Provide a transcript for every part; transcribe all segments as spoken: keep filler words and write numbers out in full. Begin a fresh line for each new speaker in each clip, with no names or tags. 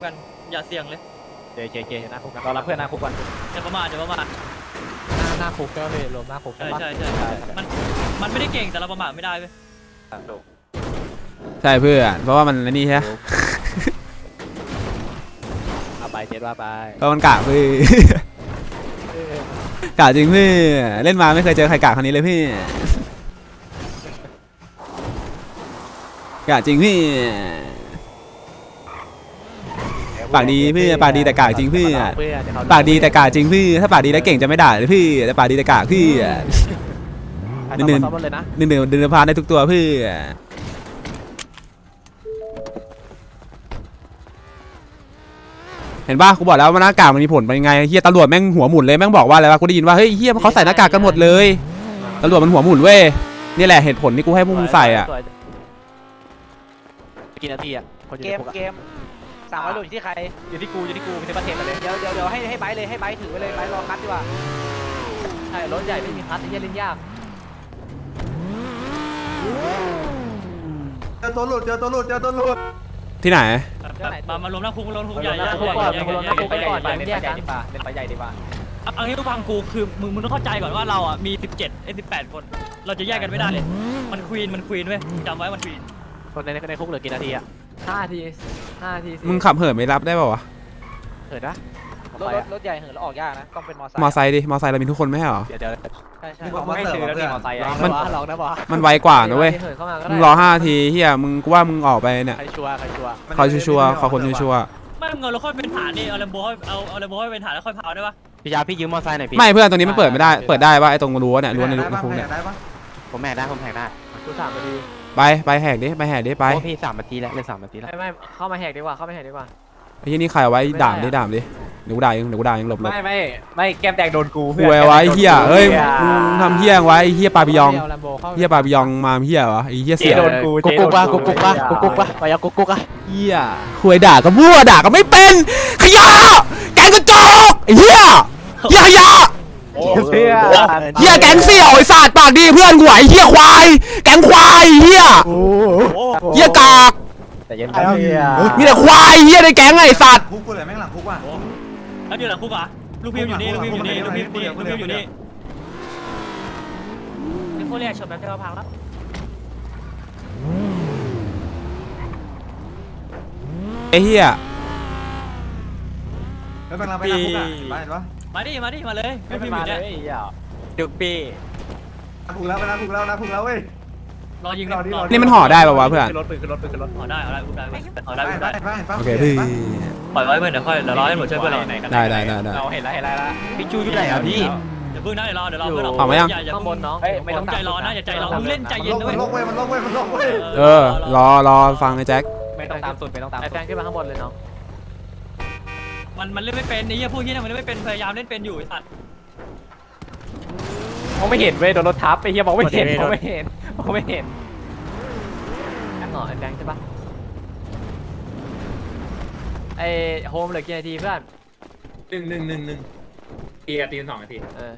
กันอย่าเสี่ยงเลย
เจเจเจหน้าคุกเรารับเพื่อนหน้าคุกก่อน
อย่าประมาทอย่าประมาท
หน้าหน้าคุกก็เลยรวมหน้าคุก
ใช่ใช่ใช่มันมันไม่ได้เก่งแต่เราประมาทไม่ได้เว้ย
ใช่เพื่อนเพราะว่ามันนี่ใช่
เอาไปเจ็ดว่าไป
เพราะมันกะเพื่อกะจริงเพื่อเล่นมาไม่เคยเจอใครกะคนนี้เลยพี่กะจริงพี่ปากดีพี่ปากดีแต่กากจริงพี่ปากดีแต่กากจริงพี่ถ้าปากดีแล้วเก่งจะไม่ด่าเลยพี่แต่ปากดีแต่กากพี่หนึ่งหนึ่งหนึ่งหนึ่งเดินพาได้ทุกตัวพี่เห็นป่ะกูบอกแล้วว่าหน้ากากมันมีผลเป็นยังไงเฮียตำรวจแม่งหัวหมุนเลยแม่งบอกว่าอะไรวะกูได้ยินว่าเฮ้ยเฮียเขาใส่หน้ากากกันหมดเลยตำรวจมันหัวหมุนเว้ยนี่แหละเหตุผลที่กูให้พวกมึงใส่อ่ะ
กี่นาทีอ่ะ
เกมเกมสามร้อยโลอยู่ที่ใคร
อยู่ที่กูอยู่ที่กูไม่ใช่ประเทศเลย
เดี๋ยวเดี๋ยวเดี๋ยวให้ให้ไบค์เลยให้ไบค์ถือไปเลยไบค์รอคัดดีกว่า
ใช่รถใหญ่ไม่มีคัดที่จะเล่นยาก
เจอตัวหลุดเจอตัวหลุดเจอตัวหลุด
ที่ไหน
มามารวมหน้าคุกรวมหน้าคุกใหญ่ใหญ่
ใหญ่ใหญ่ใหญ่เล่นไปใหญ่ดีกว่าเล่นไปใหญ่ดีกว่า
เอางี้ทุกฟังกูคือมึงมึงต้องเข้าใจก่อนว่าเราอ่ะมีสิบเจ็ดไอ้สิบแปดคนเราจะแยกกันไม่ได้เลยมันควีนมันควีนเว้ยจำไว้มันควีน
คนในในคุกเหลือกี่นาทีอ่ะห้านาทีห้านาที
มึงขับเหินไม่รับได้ป่าวะ
เหินนะ
รถรถใหญ่เหินแล้วออกยากนะต้องเป็นมอไซค์
มอไซค์ดิมอไซค์เรามีทุกคนไม่ใช่หรอ
เดี๋ยวเดี๋ยว
ใช่ใช่
เขาไม่ซื้อแล้วที่มอไซค์
มัน
ลองนะบอ
มันไวกว่านะเว้ยมึงรอห้านาทีเฮียมึงกูว่ามึงออกไปเนี่ย
ใครชัวร์ใครชัวร์
เขาชัวร์เขาคนชัวร์
ไม่เงินเราค่อยเป็นฐานดิเอาแลมโบเอาเอาแลมโบให้เป็นฐานแล้วค่อยเผาได้ปะ
พี่ยาพี่ยืมมอไซค์หน่อยพี่
ไม่เพื่อนตรงนี้มันเปิดไม่ได้เปิดได้ป่ะไอ้ตรงรั้วเนี่ยรั้วในในคุกเนี่ย
ผมแหกได้ผมแหกได้ดูสามนาที
ไปไปแหกดิไปแหกดิไป
พี่สามนาทีแล้วเล่นสามนาทีแล้ว
ไม่ไม่เข้ามาแหกดีกว่าเข้ามาแหกดีกว่า
ไอ้ที่นี่ใครไว้ด่ามดิด่ามดิเดี๋ยวกูด่าเองเดี๋ยวกูด่าเองหลบหลบ
ไม่ไม่ไม่แก้มแตกโดนกู
เพื่อนไว้เฮียเฮ้ยมึงทำเฮียไว้เฮียปาบิยองเฮียปาบิยองมาเฮียวะไอ้เฮียเสีย
โดนกูกุ๊กกุ๊กปะกุ๊กกุ๊กปะกุ๊กกุ๊กปะไปยากุ๊กกุ๊กอะ
เฮียคุยด่าก็มั่วด่าก็ไม่เป็นขยะแกงกระจอกไอ้เฮียเฮียขยะ
เฮีย
เฮียแกงเสี่ยวไอ้สัตว์ปากดีเพื่อนกูไอ้เฮียควายแกงควายเฮียเฮียกาก
แต่ยังไม่เฮีย
มีแต่ควายเฮียในแกงไอ้สัตว์
คุกกูเลยแม่งหลังคุกว่ะ
แล้วเดี๋ยวหลังคุกอ่ะลูกพิมอยู่นี่ลูกพิมอยู่นี่ลูกพิมอยู่นี่ลูกพิมอยู่นี่นี่โคเรียชนแบบเทวพังแล้ว
ไอ้เฮีย
แล้วกำลังไปหลังคุกอ่ะมาเห็นปะ
มาดิมาดิมาเลยลูกพิมอยู่เนี่ย
ดุปี
คุกแล้วไปหลังคุกแล้วนะคุกแล้วเว้ย
รอยิงรอ
ที่รอนี่มันห่อได้ป่าววะเพื่อน
ขึ้นรถขึ้นรถขึ้นรถ
ห่อได้ห่อได้อุ้มได้ห่อได้อุ้มได้
โอเคพี่
ปล่อยไว้เพื่อนเดี๋ยวค่อยเดี๋ยวรอให้หมดช่วยเพื่อนเรา
ได้ได้ได้
เราเห็นแล้วเห็นแล้วพี่จูอยู่ไหนอ่ะพี่
เดี๋ยวเพิ่งนะเดี๋ยวรอเดี๋ยวรอเพื่อนเรา
ออกมายัง
ข้างบนน้องไม่ต้องใจร้อนนะอย่าใจร้อนมึงเล่นใจเย็นด้วย
มันลงเว้ยมันลงเว้ยมันลงเว้ย
เออรอรอฟังไอ้แจ็ค
ไม่ต้องตามสุดไม่ต้องตามไอ้แฟนขึ้นมาข้างบนเลยน้อง
มันมันเล่นไม่เป็นนี่พวกนี้เนี่ยมันเล่นไม่เป็นพยายามเล่นเป็นอยู่ไอ้สัตว์
มองไม่เห็นเว้ยโดนรถทับไอ้เหี้ยมองไม่เห็นมองไม่เห็นมองไม่เห็นแองหรอไอ้แฟนใช่ปะไอ้โฮมเหลือกี่นาทีเพื่อน
หนึ่งหนึ่งหนึ่งหนึ่งตีกับตีสองนาที
เออ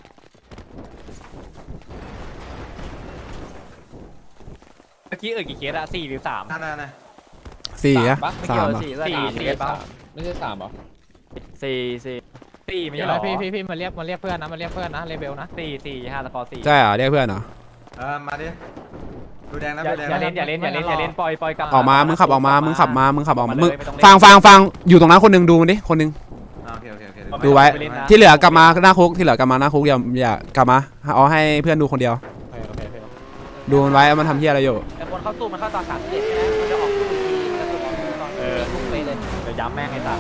เมื่อกี้เออกี่เคสอะสี่หรือสาม
นั่นน่ะ
สี่อะสาม
สี่สี่สี่
ไม่ใช่สามหรอ
สี่สี่สี่ไม่ใช่หรอพี่พี่พี่มาเรียกมาเรียกเพื่อนนะมาเรียกเพื่อนนะเลเบลนะสี่สี่ห้าตะกอสี่
ใช่เหรอเรียกเพื่อนเหรอ
เออมาดิดูแดงนะ
อย่าเล่นอย่าเล่นอย่าเล่นอย่าเล่นปล่อยปล่อยกลับ
ออกมามึงขับออกมามึงขับมามึงขับออกมามึงฟังฟังฟังอยู่ตรงนั้นคนนึงดูมันดิคนนึงดูไว้ที่เหลือกลับมาหน้าคุกที่เหลือกลับมาหน้าคุกอย่าอย่ากลับมาเอาให้เพื่อนดูคนเดียวดูมันไว้มันทำเหี้ยอะไรอยู่
ไอ้คนเข้าตู้มันเข้าตอนสามสิบเอ็ดใช่ไหมมันจะออกตู้ทีมันจะออกตู้ตอนทุกไปเลย
จะย้ำแม่งไอ้ตา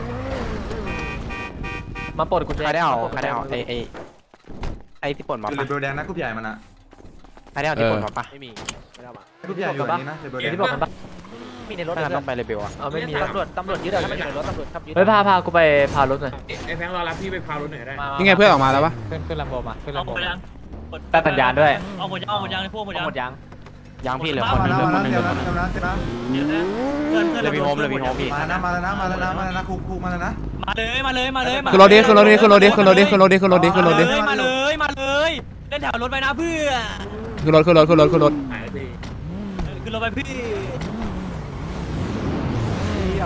มาปลดกุญแจใครได้เอาใครได้เอาไอ้ไอ้ไอ้ที่ปลดมา
ปะเรเบลแดงนะกรุ๊ปใหญ่มันอะ
ใครได้เอาที่ปลดมาปะ
ไม่มีไม่ได้มาก
รุ๊ปใหญ่อยู่นี่นะเรเบลแดง
ที่ปลดมันปะมีในรถ
ต้องไปเลเบลอ่ะ
เออไม่มีตำรวจตำรวจยึดเลยถ้ามันอยู่ในรถตำรวจขับยึด
เฮ้ยพาพากูไปพารถหน่อย
ไอ้แฟงรอรับพี่ไปพารถหน่อยได้
นี่ไงเพื่อนออกมาแล้วปะ
ขึ้นขึ้นลำโบมาขึ้นลำโบ
ยัง
แต่สัญญาณด้วย
เอาหมดยังเอาหมดยังในพวกหมดยัง
หมดยังยังพี่เหลือคนนึงเหลือคนนึงเหลือคนนึงเลยพี่โฮมเลยพี่โฮมพี่
มาแล้วนะมาแล้วนะมาแล้วนะมาแล้วนะคุกคุกมาแล้วนะ
มาเลยมาเลยมาเลย
ขึ้นรถดิขึ้นรถดิขึ้นรถดิขึ้นรถดิขึ้นรถดิขึ้นรถดิขึ้นรถดิ
มาเลยมาเลยเล่นแถวรถไปนะเพื่อ
ขึ้นรถขึ้นรถขึ้นรถขึ้นรถ
ขึ้นรถไปพี่
เ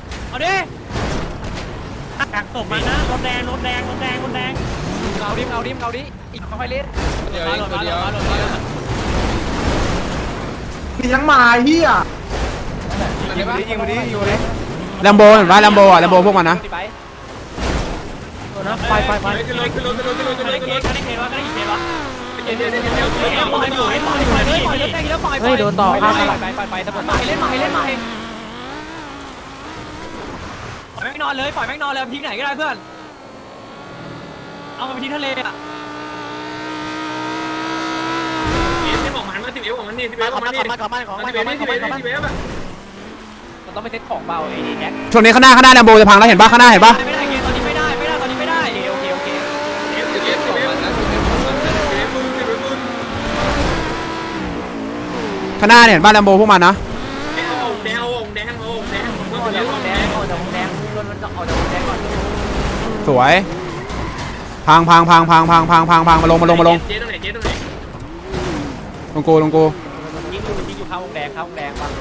เอาดิกักศพมานะรถแดงรถแดงรถแดงรถแดง
เอาดิเอาดิเอาดิอีกค่อยเล่น
เดี๋ยวมาเดี๋ยวมาเดี๋ยวมาเดี๋ยวมา
มีทั้งมาเฮีย
ยิงมาดิยิงมาดิยิงมาดิ
แลมโบเห็นปะแลมโบอ่ะแลมโบพวกมันนะ
ไปไปไป
ขึ้นรถขึ้นรถขึ้นรถขึ้นรถขึ้นร
ได้
ถ
เก
ขึ้นรถ
มได้เกมวะได้เกมวะ
เดี๋ยวเดี๋ยวเดี๋ยวเดี๋ยวเดี๋ยว
ปล่อยปล่อยปล่อยปล่อยปล่อยปล่อยรถแดงแล้วปล่อย
เฮ้ยโดนต่อครับไปไปไปตำรวจมาเล่นมาเล่นมา
ปล่อยแม่งนอนเลยปล่อยแม่งนอนเลยทิ้งไหนก็ได้เพื่อนเอาไปทิ้งทะเลอ่ะ
สิบของมันมาสิบเอฟของมันนี่สิบเอฟของมันนี่ของมันของมันของมันของมันของมันสิบเอฟอะ
มันต้องไปเซ็ตของเบาไอ้แจ็ค
ช่วงนี้ข้างหน้าข้างหน้าแลมโบจะพังแล้วเห็นปะข้างหน้าเห็นปะ
ไม่ได้เกมตอนนี้ไม่ได้ไม่ได้ตอนนี้ไม่ได้
โอเคโอเค
เอฟสิบเอฟสิบเอฟนะสิบเอฟของมันสิบเอฟมึงสิบเอฟมึง
ข้างหน้าเนี่ยเห็นปะแลมโบพวกมันนะ
เอาแดงเอาแดงเอาแดงผม
อ
ว่า
อก
สิบเอ
จาก
ฟ
แด
แด
ง
ง
ออกจากแดงรถมันออกจากแดงก่อน
สวยพังพังพังพังพังพังพังพังมาลงมาลงมาลง
เจ๊ตรงไหนเจ๊ตรงไหน
ลงกูลงกู
ยิงอยู่ยิงอยู่ข้าวแดงข้าวแดงป่ะ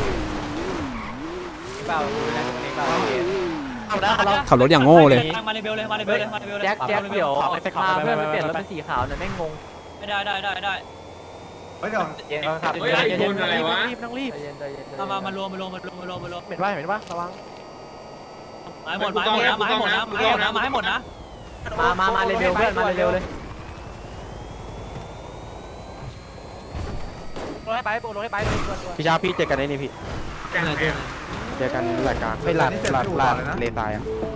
เปล่าดูแลตรงนี้เปล่า
เอาได้เรา
ขับรถอย่างโง่เลย
มาในเบลเลยมาในเบลเลยมาในเบลเลย
แจ็คแจ็คเดี๋ยวพาเพื่อนไปเปลี่ยนรถเป็นสีขาวหน่อยแม่งงง
ไม่ได้ได้ได้ได้
ไปฮ้ยเดี๋ยว
เย็นครับ
เฮ้ยไอ้คนอะไรวะ
ต้องรีบใจเย็นใจเย็น
มามามารวมมารวมมารวมมารวมมารวม
เห็นว่าเห็นว่าระวัง
ไม้หมดไม้หมดนะไม้หมดนะไม้หมดนะไม้หมดนะ
มามามาเร็วๆเพื่อนมาเร็วๆเลย
ลงให้ไปโปลงให้ไปตัวตัว
พี่ชาพี่เจอกันได้นี่พี่
แจ้งไหน
เจอกันหลักกลางไม่หลักหลักหลักเลตายอ่ะ
เ